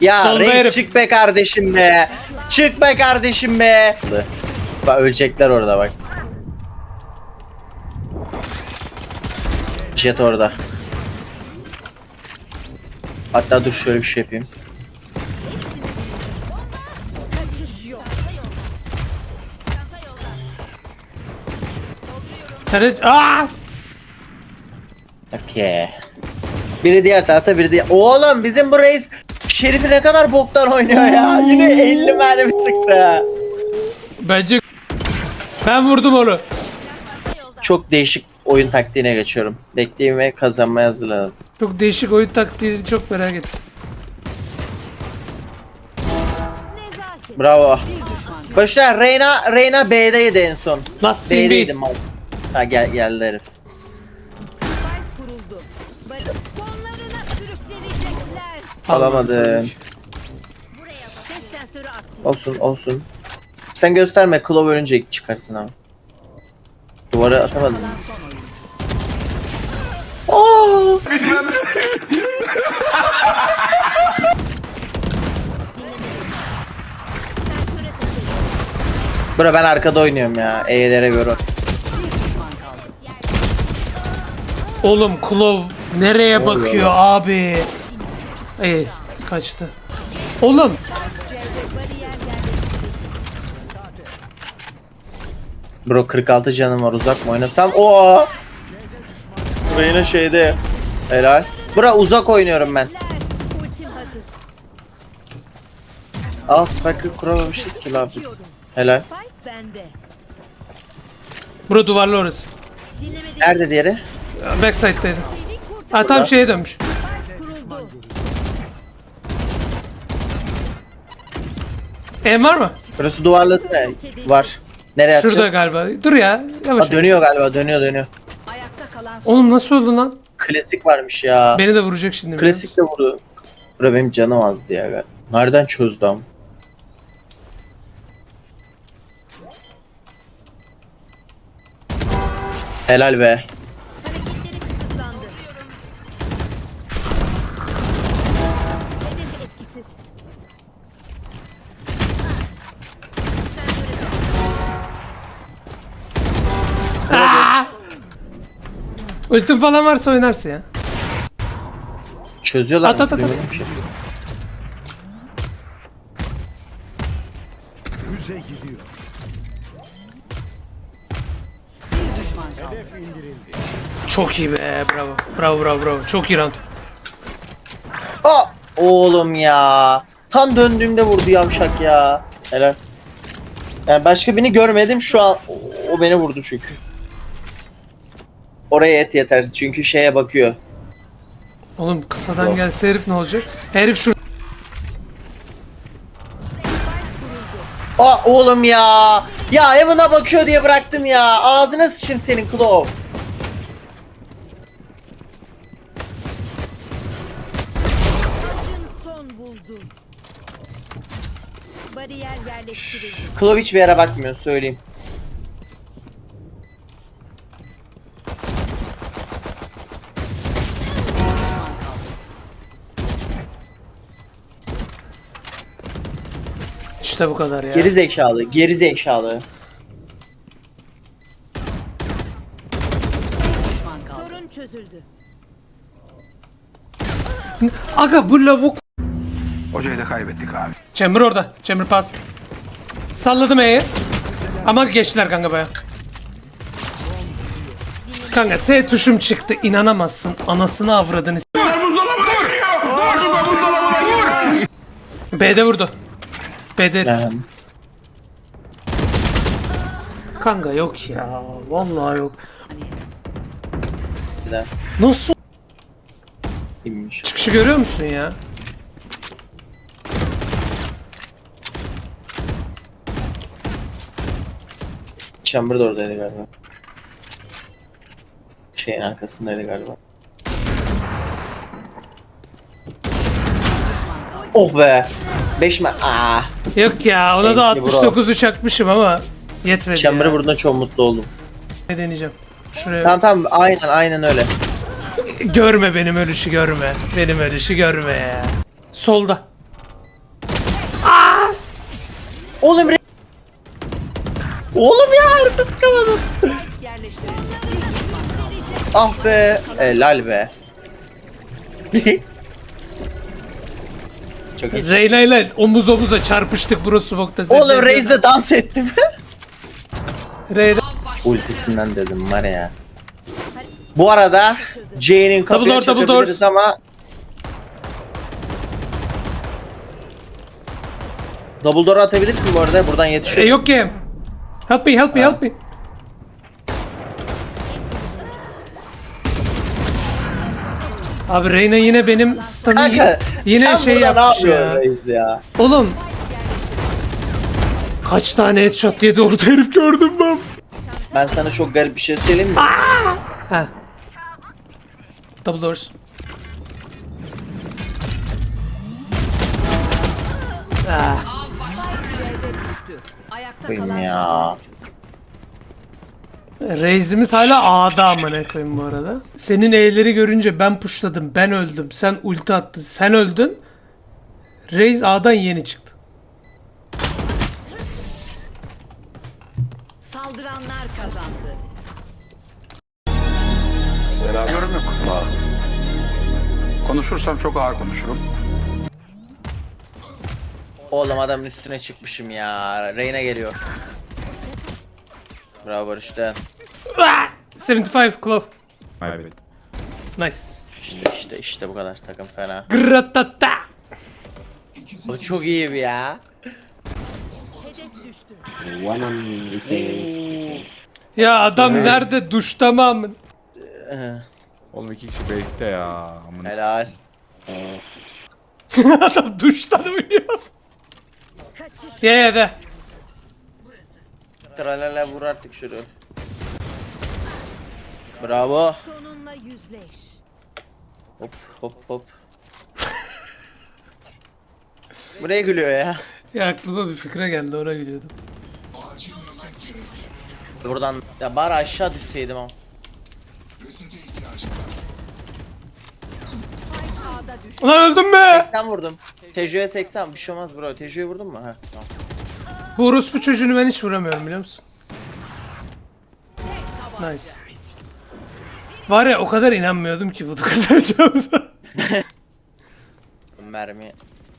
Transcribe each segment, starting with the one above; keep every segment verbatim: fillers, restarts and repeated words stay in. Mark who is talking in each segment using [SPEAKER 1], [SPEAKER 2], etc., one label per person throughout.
[SPEAKER 1] Ya
[SPEAKER 2] Solda
[SPEAKER 1] reis
[SPEAKER 2] herif.
[SPEAKER 1] çık be kardeşim be. Çık be kardeşim be. Bak ölecekler orada bak. Jet orada. Hatta dur şöyle bir şey yapayım.
[SPEAKER 2] Evet. Aa!
[SPEAKER 1] Okey. Biri diğer tarafta, biri diğer... Oğlum bizim bu reis Şerif'i ne kadar boktan oynuyor ya. Yine elli mermi sıktı.
[SPEAKER 2] Bence ben vurdum onu.
[SPEAKER 1] Çok değişik oyun taktiğine geçiyorum. Bekleyeyim ve kazanmaya hazırlanın.
[SPEAKER 2] Çok değişik oyun taktiği, çok merak ettim.
[SPEAKER 1] Bravo. Başlar Reyna, Reyna B'deydi en son.
[SPEAKER 2] Nasıl
[SPEAKER 1] B'deydi
[SPEAKER 2] Simbi?
[SPEAKER 1] mal. Ha gel geldi herif.
[SPEAKER 3] kuruldu. Sonlarına sürüklenecekler.
[SPEAKER 1] Alamadım.
[SPEAKER 3] Buraya bak. Ses sensörü aktif.
[SPEAKER 1] Olsun olsun. Sen gösterme, Klov ölünce çıkarsın ama. Duvara atamadım. Aa!
[SPEAKER 3] Sensöre takıldı.
[SPEAKER 1] Bro ben arkada oynuyorum ya. E'lere göre.
[SPEAKER 2] Oğlum Klov nereye
[SPEAKER 1] Ne oluyor
[SPEAKER 2] bakıyor abi? İyi kaçtı. Oğlum
[SPEAKER 3] Bariyer yerleştirildi.
[SPEAKER 1] Bro kırk altı canım var, uzak mı oynasam? Oo! Reyna şeyde. Helal. Bro uzak oynuyorum ben.
[SPEAKER 3] Ultim hazır.
[SPEAKER 1] Al spike'ı kuramamışız ki lan biz. Helal.
[SPEAKER 3] Spike bende.
[SPEAKER 2] bura duvarlı orası.
[SPEAKER 3] Dinlemede
[SPEAKER 1] Nerede diğeri?
[SPEAKER 2] Backside'daydı.
[SPEAKER 3] seni kurtar.
[SPEAKER 2] Ha tam şeye dönmüş.
[SPEAKER 3] Kuruldu.
[SPEAKER 2] En var mı?
[SPEAKER 1] Burası duvarladı mı? Var. Nereye
[SPEAKER 2] Şurada
[SPEAKER 1] atacağız?
[SPEAKER 2] galiba. Dur ya. Yavaş.
[SPEAKER 1] Ha, dönüyor galiba, dönüyor dönüyor.
[SPEAKER 3] Ayakta kalan son.
[SPEAKER 2] Oğlum nasıl oldu lan?
[SPEAKER 1] Klasik varmış ya.
[SPEAKER 2] Beni de vuracak şimdi.
[SPEAKER 1] Klasik de vurdu. Bura benim canım azdı ya galiba. Nereden çözdü ama? Helal be.
[SPEAKER 3] Hareketleri kısıtlandı. Hedef etkisiz. Sensöre takıldı.
[SPEAKER 2] Aa! Ultim falan varsa oynarsın ya.
[SPEAKER 1] Çözüyorlar
[SPEAKER 2] At,
[SPEAKER 1] mı?
[SPEAKER 2] at, at, at.
[SPEAKER 1] Duymadım ki.
[SPEAKER 4] Füze gidiyor. Hedef indirildi.
[SPEAKER 2] Çok iyi be. Bravo. Bravo bravo bravo. Çok iyi round.
[SPEAKER 1] Aa! Oğlum ya. Tam döndüğümde vurdu yavşak ya. Helal. Yani başka birini görmedim şu an. O, o beni vurdu çünkü. Oraya et yeter çünkü şeye bakıyor.
[SPEAKER 2] Oğlum kısadan
[SPEAKER 1] Yok.
[SPEAKER 2] gelse herif ne olacak? Herif şu.
[SPEAKER 1] Aa oğlum ya. Ya Evan'a bakıyor diye bıraktım ya. Ağzına sıçayım senin Klov.
[SPEAKER 3] Acın son buldu. Bariyer yerleştirildi.
[SPEAKER 1] Klov hiçbir yere bakmıyor söyleyeyim.
[SPEAKER 2] İşte bu kadar ya.
[SPEAKER 1] Geri zekalı, geri zekalı.
[SPEAKER 3] Sorun çözüldü.
[SPEAKER 2] Aga bu lavuk.
[SPEAKER 4] Hocayı da kaybettik abi.
[SPEAKER 2] Chamber orada. Chamber pass. Salladım E'yi. Ama geçtiler kanka baya. Kanka S tuşum çıktı. İnanamazsın. Anasını avradını. s- B'de vurdu. B'de.
[SPEAKER 1] Yani.
[SPEAKER 2] Kanka yok ya. Vallahi yok.
[SPEAKER 1] Bir daha
[SPEAKER 2] Nasıl?
[SPEAKER 1] inmiş.
[SPEAKER 2] Çıkışı görüyor musun ya?
[SPEAKER 1] Chamber da oradaydı galiba. Şeyin arkasındaydı galiba. Oh be. beş mi? Aa.
[SPEAKER 2] Yok ya ona da
[SPEAKER 1] Thank you bro.
[SPEAKER 2] altmış dokuzu çakmışım ama yetmedi
[SPEAKER 1] Chamber'ı
[SPEAKER 2] ya.
[SPEAKER 1] vurduğunda çok mutlu oldum.
[SPEAKER 2] Ne deneyeceğim? Şuraya.
[SPEAKER 1] Tamam tamam aynen aynen öyle.
[SPEAKER 2] Görme benim ölüşü görme. Benim ölüşü görme ya. Solda.
[SPEAKER 1] Oğlum Re- Oğlum ya harbi sıkamadım.
[SPEAKER 3] Yerleştirildi.
[SPEAKER 1] Ah be. Helal be. Çok iyi.
[SPEAKER 2] Reyna ile omuz omuza çarpıştık bro smoke'ta. Sen
[SPEAKER 1] Oğlum
[SPEAKER 2] ne
[SPEAKER 1] Reis'le dans ettim.
[SPEAKER 2] diyordun? Reyna.
[SPEAKER 1] Ultisinden dedim var ya. Bu arada J'nin kapıya
[SPEAKER 2] Double door, double
[SPEAKER 1] çakabiliriz
[SPEAKER 2] doors.
[SPEAKER 1] ama Double door atabilirsin bu arada buradan
[SPEAKER 2] E,
[SPEAKER 1] yetişiyor.
[SPEAKER 2] yok ki. Help me, help me, help me. Abi Reyna yine benim stun'ı
[SPEAKER 1] Kanka
[SPEAKER 2] yine
[SPEAKER 1] sen
[SPEAKER 2] şey
[SPEAKER 1] burada
[SPEAKER 2] yapmış
[SPEAKER 1] ne yapıyorsun
[SPEAKER 2] ya.
[SPEAKER 1] Reis ya?
[SPEAKER 2] Oğlum. Kaç tane headshot yedi orada herif gördüm ben.
[SPEAKER 1] Ben sana çok garip bir şey söyleyeyim mi?
[SPEAKER 2] Ha. Double doors. Ah.
[SPEAKER 3] C'de düştü. Ayakta
[SPEAKER 1] Koyayım
[SPEAKER 3] kalan
[SPEAKER 1] ya.
[SPEAKER 2] Reis'imiz hala A'da amına koyayım bu arada. Senin E'leri görünce ben pushladım, ben öldüm, sen ulti attın, sen öldün. Reis A'dan yeni çıktı.
[SPEAKER 3] saldıranlar kazandı.
[SPEAKER 4] Yorum yok. Konuşursam çok ağır konuşurum.
[SPEAKER 1] Oğlum adamın üstüne çıkmışım ya. Reyna geliyor. Bravo Barış'ta.
[SPEAKER 2] Ah! yetmiş beş Clove.
[SPEAKER 5] Evet.
[SPEAKER 2] Nice.
[SPEAKER 1] İşte işte işte bu kadar takım fena.
[SPEAKER 2] Gratata.
[SPEAKER 1] O çok iyi bir ya.
[SPEAKER 3] Hedef düştü.
[SPEAKER 2] Ya adam nerede? Duşta mı amın?
[SPEAKER 5] Oğlum iki kişi base'te ya. Amına.
[SPEAKER 1] Helal.
[SPEAKER 2] Adam duştan oynuyor.
[SPEAKER 3] Kaçış.
[SPEAKER 2] Ye ye de.
[SPEAKER 1] Tralala vur artık şunu. Bravo.
[SPEAKER 3] Sonunla yüzleş.
[SPEAKER 1] Hop hop hop. Buraya gülüyor ya.
[SPEAKER 2] Ya aklıma bir fikre geldi, ona gülüyordum.
[SPEAKER 1] Buradan ya bari aşağı düşseydim ama.
[SPEAKER 3] A'da düştü.
[SPEAKER 2] Ulan öldüm mü?
[SPEAKER 1] seksen vurdum. Tejo'ya seksen bir şey olmaz bro. Tejo'ya vurdun mu? Ha tamam.
[SPEAKER 2] Bu orospu çocuğunu ben hiç vuramıyorum biliyor musun? Nice. Var ya o kadar inanmıyordum ki bunu kazanacağımıza.
[SPEAKER 1] Mermi.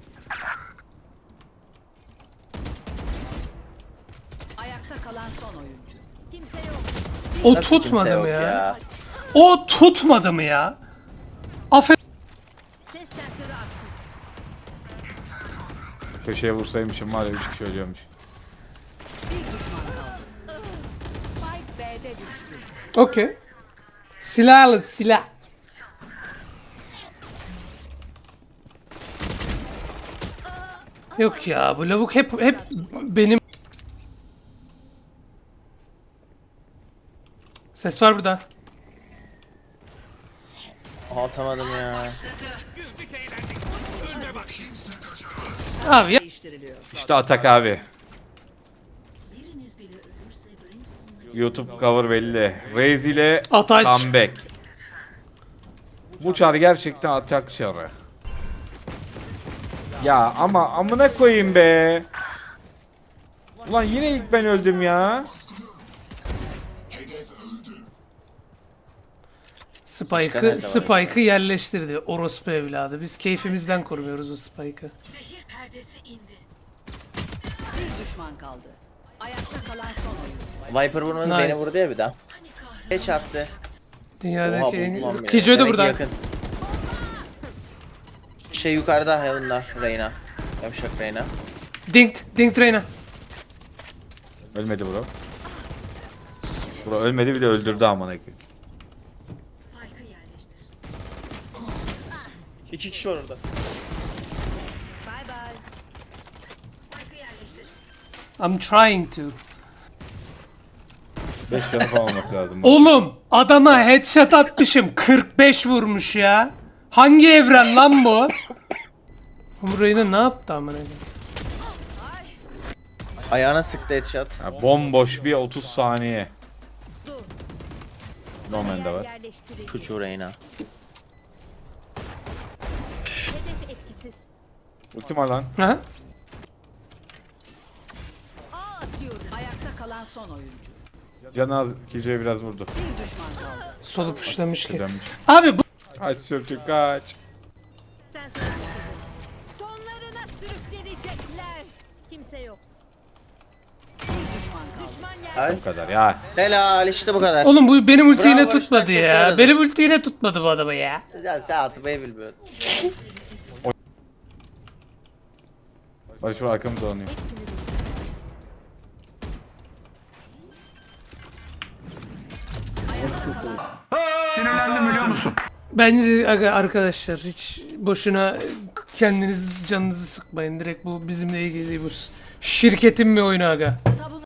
[SPEAKER 3] Ayakta kalan son oyuncu. Kimse yok.
[SPEAKER 2] O
[SPEAKER 1] Nasıl kimse
[SPEAKER 2] tutmadı
[SPEAKER 1] yok
[SPEAKER 2] mı ya? O tutmadı mı ya? Aferin.
[SPEAKER 3] Ses sensörü aktif.
[SPEAKER 5] Köşeye vursaymışım var ya üç kişi ölüyormuş.
[SPEAKER 3] Bir düşman kaldı. Spike B'de düştü.
[SPEAKER 2] Okey. Silahlı silah. Yok ya bu lavuk hep hep benim. Ses var burada.
[SPEAKER 1] Aha, atamadım ya.
[SPEAKER 2] Abi ya.
[SPEAKER 3] Değiştiriliyor.
[SPEAKER 5] İşte atak abi. YouTube cover belli. Raze ile
[SPEAKER 2] Ataç.
[SPEAKER 5] comeback. Bu çar gerçekten atak çarı. Ya ama amına koyayım be. Ulan yine ilk ben öldüm ya.
[SPEAKER 1] Başka
[SPEAKER 2] Spike'ı
[SPEAKER 1] nerede var
[SPEAKER 2] Spike'ı yerleştirdi orospu evladı. Biz keyfimizden kurmuyoruz o Spike'ı.
[SPEAKER 3] Bir düşman kaldı. Ayakta kalan son oyuncu.
[SPEAKER 1] Viper vurmadı
[SPEAKER 2] Nice.
[SPEAKER 1] beni vurdu ya bir daha. Ne çarptı?
[SPEAKER 2] Dünyadaki
[SPEAKER 1] Oha,
[SPEAKER 2] en...
[SPEAKER 1] buldum lan beni.
[SPEAKER 2] Kijoy da
[SPEAKER 1] Demek ki
[SPEAKER 2] burada.
[SPEAKER 1] yakın. Şey yukarıda Heaven'da Reyna. Yavşak Reyna.
[SPEAKER 2] Dinkt, Dinkt Reyna.
[SPEAKER 5] Ölmedi bro. Bro ölmedi bir de öldürdü amına koyayım.
[SPEAKER 1] İki kişi var orada.
[SPEAKER 3] Bye bye.
[SPEAKER 2] I'm trying to.
[SPEAKER 5] beş canı falan olması lazım.
[SPEAKER 2] Oğlum adama headshot atmışım. kırk beş vurmuş ya. Hangi evren lan bu? Bu Reyna ne yaptı amına koyayım?
[SPEAKER 1] Ayağına sıktı headshot.
[SPEAKER 5] Ya bomboş bir otuz saniye. Norman da var.
[SPEAKER 3] Yerleştirildi.
[SPEAKER 1] Çocuğu Reyna.
[SPEAKER 3] Hedef etkisiz.
[SPEAKER 5] Ultim var lan.
[SPEAKER 2] Aha.
[SPEAKER 3] son oyuncu.
[SPEAKER 5] Canı az Killjoy'a biraz vurdu.
[SPEAKER 3] Bir düşman kaldı.
[SPEAKER 2] Solu puşlamış ki.
[SPEAKER 5] Dönmüş.
[SPEAKER 2] Abi bu
[SPEAKER 5] Kaç sürtük kaç.
[SPEAKER 6] Sen söyle. Sonlarına sürüklenecekler. Kimse yok.
[SPEAKER 3] Bir düşman kaldı.
[SPEAKER 6] Düşman yer.
[SPEAKER 1] Ay.
[SPEAKER 5] Bu kadar ya.
[SPEAKER 1] Helal işte bu kadar.
[SPEAKER 2] oğlum bu benim ulti
[SPEAKER 1] Bravo,
[SPEAKER 2] yine
[SPEAKER 1] işte
[SPEAKER 2] tutmadı
[SPEAKER 1] çok
[SPEAKER 2] ya.
[SPEAKER 1] yaradı.
[SPEAKER 2] Benim ulti yine tutmadı bu adamı ya.
[SPEAKER 1] Ya sen atmayı bilmiyorsun.
[SPEAKER 5] Barış var arkamız dolanıyor.
[SPEAKER 4] Sinirlendim biliyor musun?
[SPEAKER 2] Bence aga arkadaşlar hiç boşuna kendiniz canınızı sıkmayın. Direkt bu bizimle ilgili bu şirketin bir oyunu aga.